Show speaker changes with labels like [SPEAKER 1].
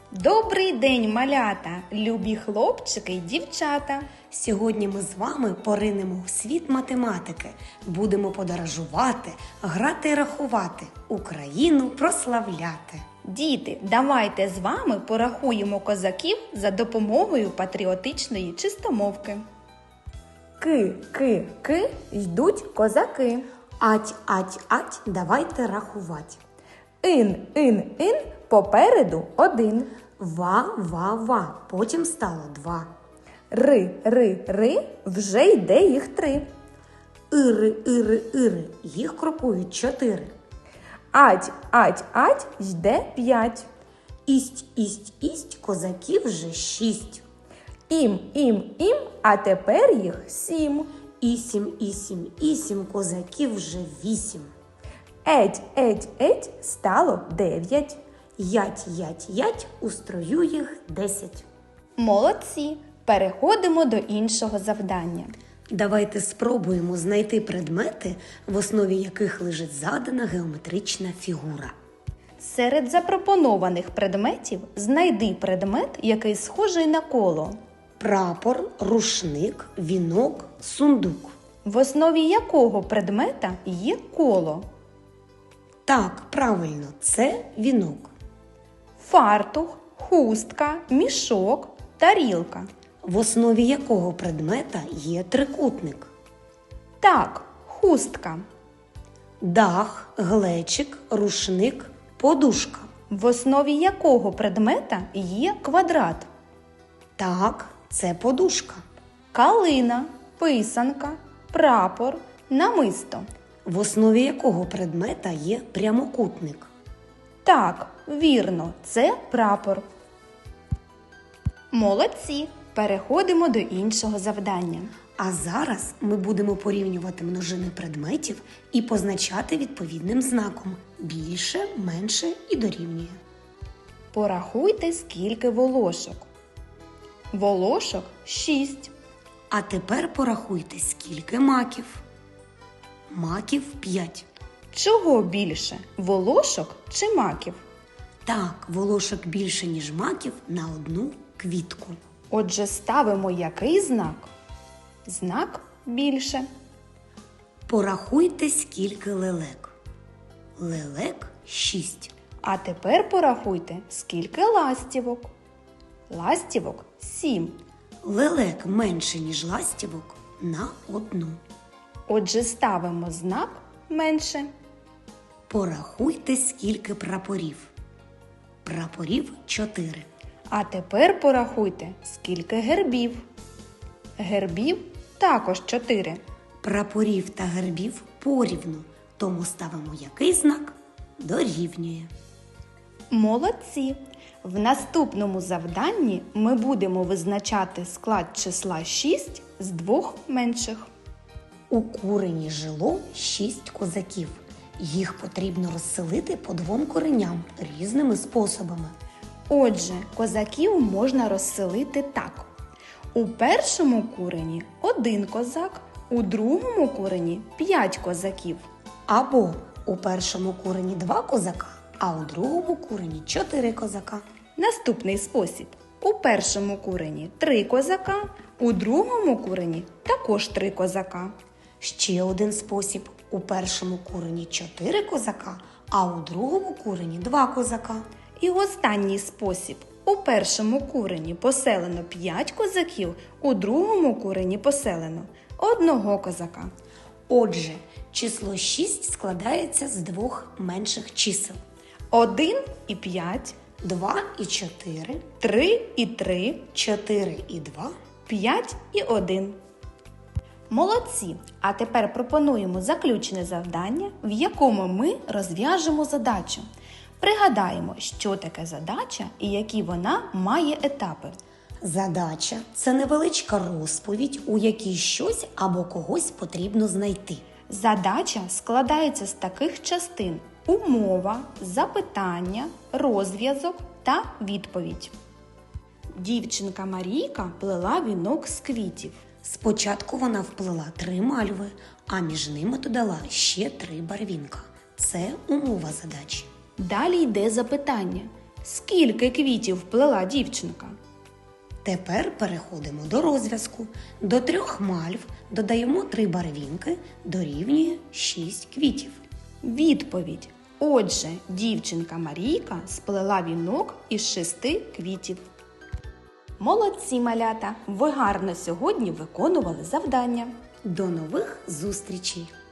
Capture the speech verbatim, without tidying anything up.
[SPEAKER 1] Добрий день, малята, любі хлопчики й дівчата!
[SPEAKER 2] Сьогодні ми з вами поринемо у світ математики. Будемо подорожувати, грати і рахувати, Україну прославляти.
[SPEAKER 1] Діти, давайте з вами порахуємо козаків за допомогою патріотичної чистомовки. Ки, ки, ки, йдуть козаки.
[SPEAKER 2] Ать, ать, ать, давайте рахувати.
[SPEAKER 1] Ин, ин, ин, попереду один.
[SPEAKER 2] Ва, ва, ва, потім стало два.
[SPEAKER 1] Ри, ри, ри, вже йде їх три.
[SPEAKER 2] Ири, ири, ири, їх крокують чотири.
[SPEAKER 1] Ать, ать, ать, йде п'ять.
[SPEAKER 2] Ість, ість, ість, козаків вже шість.
[SPEAKER 1] Ім, ім, ім, а тепер їх сім.
[SPEAKER 2] Ісім, ісім, ісім, козаків вже вісім.
[SPEAKER 1] Еть, еть, еть, стало дев'ять.
[SPEAKER 2] Ять, ять, ять, у строю їх десять.
[SPEAKER 1] Молодці! Переходимо до іншого завдання.
[SPEAKER 2] Давайте спробуємо знайти предмети, в основі яких лежить задана геометрична фігура.
[SPEAKER 1] Серед запропонованих предметів знайди предмет, який схожий на коло.
[SPEAKER 2] Прапор, рушник, вінок, сундук.
[SPEAKER 1] В основі якого предмета є коло?
[SPEAKER 2] Так, правильно, це вінок.
[SPEAKER 1] Фартух, хустка, мішок, тарілка.
[SPEAKER 2] В основі якого предмета є трикутник.
[SPEAKER 1] Так, хустка.
[SPEAKER 2] Дах, глечик, рушник, подушка.
[SPEAKER 1] В основі якого предмета є квадрат?
[SPEAKER 2] Так, це подушка.
[SPEAKER 1] Калина, писанка, прапор, намисто.
[SPEAKER 2] В основі якого предмета є прямокутник.
[SPEAKER 1] Так, вірно, це прапор. Молодці! Переходимо до іншого завдання.
[SPEAKER 2] А зараз ми будемо порівнювати множини предметів і позначати відповідним знаком – більше, менше і дорівнює.
[SPEAKER 1] Порахуйте, скільки волошок. Волошок – шість.
[SPEAKER 2] А тепер порахуйте, скільки маків. Маків – п'ять.
[SPEAKER 1] Чого більше – волошок чи маків?
[SPEAKER 2] Так, волошок більше, ніж маків на одну квітку.
[SPEAKER 1] Отже, ставимо який знак? Знак більше.
[SPEAKER 2] Порахуйте, скільки лелек. Лелек – шість.
[SPEAKER 1] А тепер порахуйте, скільки ластівок. Ластівок – сім.
[SPEAKER 2] Лелек менше, ніж ластівок на одну.
[SPEAKER 1] Отже, ставимо знак менше.
[SPEAKER 2] Порахуйте, скільки прапорів. Прапорів – чотири.
[SPEAKER 1] А тепер порахуйте, скільки гербів. Гербів також чотири.
[SPEAKER 2] Прапорів та гербів порівну, тому ставимо який знак? Дорівнює.
[SPEAKER 1] Молодці! В наступному завданні ми будемо визначати склад числа шість з двох менших.
[SPEAKER 2] У курені жило шість козаків. Їх потрібно розселити по двом куреням різними способами.
[SPEAKER 1] Отже, козаків можна розселити так. У першому курені один козак, у другому курені п'ять козаків.
[SPEAKER 2] Або у першому курені два козака, а у другому курені чотири козака.
[SPEAKER 1] Наступний спосіб. У першому курені три козака, у другому курені також три козака.
[SPEAKER 2] Ще один спосіб. У першому курені чотири козака, а у другому курені два козака.
[SPEAKER 1] І останній спосіб. У першому курені поселено п'ять козаків, у другому курені поселено одного козака.
[SPEAKER 2] Отже, число шість складається з двох менших чисел.
[SPEAKER 1] один і п'ять,
[SPEAKER 2] два і чотири,
[SPEAKER 1] три і три,
[SPEAKER 2] чотири і два,
[SPEAKER 1] п'ять і один. Молодці! А тепер пропонуємо заключне завдання, в якому ми розв'яжемо задачу. Пригадаємо, що таке задача і які вона має етапи.
[SPEAKER 2] Задача – це невеличка розповідь, у якій щось або когось потрібно знайти.
[SPEAKER 1] Задача складається з таких частин: умова, запитання, розв'язок та відповідь. Дівчинка Марійка плела вінок з квітів.
[SPEAKER 2] Спочатку вона вплела три мальви, а між ними додала ще три барвінка. Це умова задачі.
[SPEAKER 1] Далі йде запитання. Скільки квітів вплела дівчинка?
[SPEAKER 2] Тепер переходимо до розв'язку. До трьох мальв додаємо три барвінки, дорівнює шість квітів.
[SPEAKER 1] Відповідь. Отже, дівчинка Марійка сплела вінок із шести квітів. Молодці, малята! Ви гарно сьогодні виконували завдання.
[SPEAKER 2] До нових зустрічей!